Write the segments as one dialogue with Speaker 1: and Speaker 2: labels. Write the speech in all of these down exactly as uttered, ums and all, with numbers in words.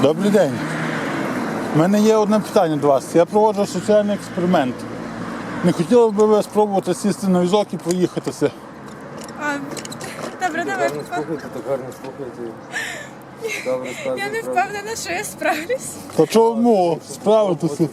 Speaker 1: Добрий день. У мене є одне питання до вас. Я проводжу соціальний експеримент. Не хотіли б ви спробувати сісти на візок і проїхатися?
Speaker 2: А, добре, давай.
Speaker 3: Гарно слухайте, так гарно слухайте. Добре, ставте.
Speaker 2: Я не впевнена, що я справлюсь.
Speaker 1: Та чому справитися?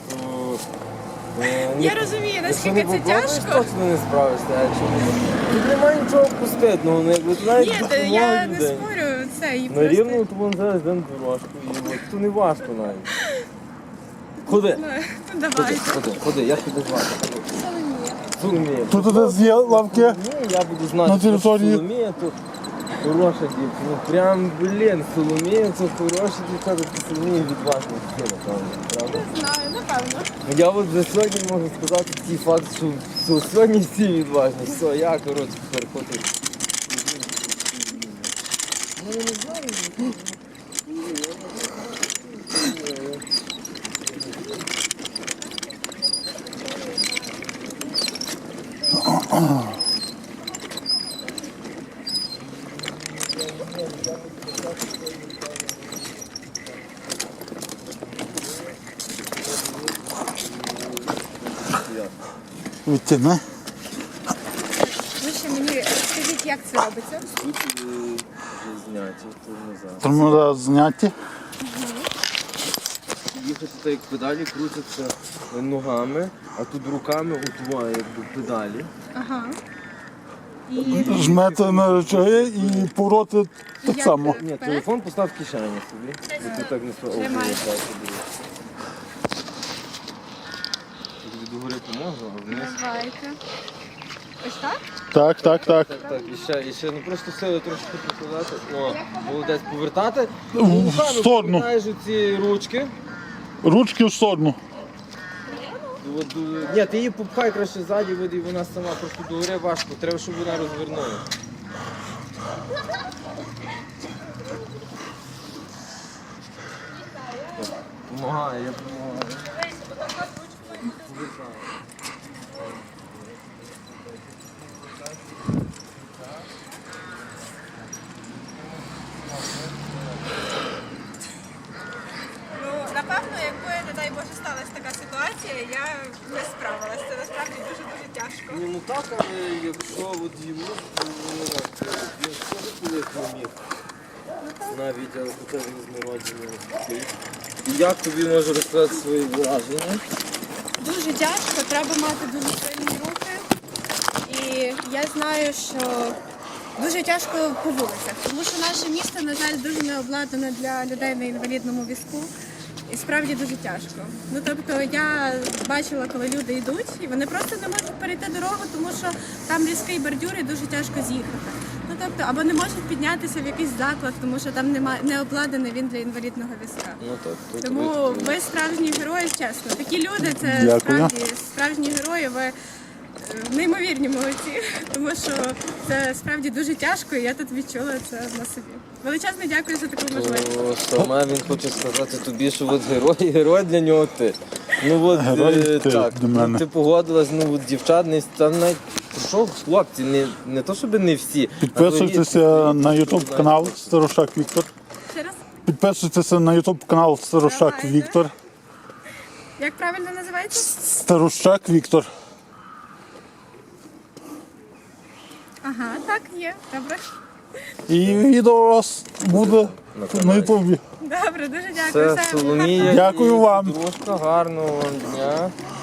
Speaker 2: Я розумію, наскільки це тяжко.
Speaker 3: Точно не справишся, а якщо не... Тут немає нічого пуститного, ну якби знаєте,
Speaker 2: Ні, та я не спорю, це і
Speaker 3: На рівну,
Speaker 2: просто...
Speaker 3: то вон зараз йдемо дорожку, і от, то не важко навіть. Ходи,
Speaker 2: Ну,
Speaker 3: ходи,
Speaker 2: давайте.
Speaker 3: ходи, ходи, як тебе звати?
Speaker 2: Соломія.
Speaker 3: Соломія.
Speaker 1: Тут десь є лавки.
Speaker 3: Ні, я буду знати,
Speaker 1: На території.
Speaker 3: що Соломія, то хороша дівчина. Ну прям, блін, Соломія, це хороша дівчата, то Соломія відважна дівчина, напевно, правда?
Speaker 2: Не знаю, напевно.
Speaker 3: Я от за сьогодні можу сказати такий факт, що, що сьогодні всі відважні. Все, я, коротше, переходжу. Ну, я не знаю.
Speaker 1: Відтяни.
Speaker 2: Ви ще мені скажіть, як це робиться?
Speaker 3: Тут е, зняті, тормоза.
Speaker 1: Тормоза зняті.
Speaker 3: Їхати так, як педалі крутяться ногами, а тут руками утвоє, якби педалі.
Speaker 2: Ага. І
Speaker 1: Жмете на речаги і повороти так
Speaker 2: Як?
Speaker 1: само.
Speaker 3: Ні, телефон постав в кишені собі. І тут так не спробує.
Speaker 2: Тримай.
Speaker 3: Тобі догори поможу, а вниз.
Speaker 2: давайте. Ось так?
Speaker 1: Так, так, так.
Speaker 3: Так, так, і ще, і ще, ну просто сили трошки покладати. О, молодець, повертати.
Speaker 1: В сторону.
Speaker 3: Повертаєш ці ручки.
Speaker 1: Ручки в сторону.
Speaker 3: От, е, ні, ти її попхай краще ззаді, от, і вона сама просто догори важко. Треба, щоб вона розвернула. Помагає, я допомагаю.
Speaker 2: Ну, напевно, якби, не дай Боже, сталася така ситуація, я не справилася. Це насправді дуже-дуже тяжко.
Speaker 3: Ні, ну так, але якщо от йому, то ну, він теж колись не міг. Навіть, але хоча він з народження такий. Як тобі можу розказати свої враження?
Speaker 2: Дуже тяжко, треба мати дуже сильні руки. І я знаю, що дуже тяжко по вулицях, тому що наше місто, на жаль, дуже не обладнане для людей на інвалідному візку. І справді дуже тяжко. Ну тобто я бачила, коли люди йдуть, і вони просто не можуть перейти дорогу, тому що там різкий бордюр і дуже тяжко з'їхати. Ну тобто, або не можуть піднятися в якийсь заклад, тому що там немає не обладнаний він для інвалідного візка.
Speaker 3: Ну так, тут
Speaker 2: Тому ви справжні герої, чесно. Такі люди це
Speaker 1: Дякую.
Speaker 2: справді справжні герої. Ви е, неймовірні молодці, тому що це справді дуже тяжко, і я тут відчула це на собі. Величезне дякую за таку можливість.
Speaker 3: О, саме він хоче сказати тобі, що от герой, герой для нього ти. Ну от
Speaker 1: Герой
Speaker 3: е,
Speaker 1: ти
Speaker 3: так,
Speaker 1: для мене.
Speaker 3: ти погодилась, ну от дівчат, не там навіть що, хлопці, не, не то щоб не всі. а
Speaker 1: Підписуйтеся
Speaker 3: то
Speaker 1: на ютуб канал Старушак Віктор.
Speaker 2: Ще раз,
Speaker 1: Підписуйтеся на ютуб канал Старушак
Speaker 2: Давайте.
Speaker 1: Віктор.
Speaker 2: як правильно називається?
Speaker 1: Старушак Віктор.
Speaker 2: Ага, так, є. Добре.
Speaker 1: І відео у вас буде на ютубі.
Speaker 2: Добре, дуже
Speaker 3: Все,
Speaker 2: дякую. Все,
Speaker 3: Соломія,
Speaker 1: Дякую
Speaker 3: і
Speaker 1: вам.
Speaker 3: Дружка, гарного вам дня.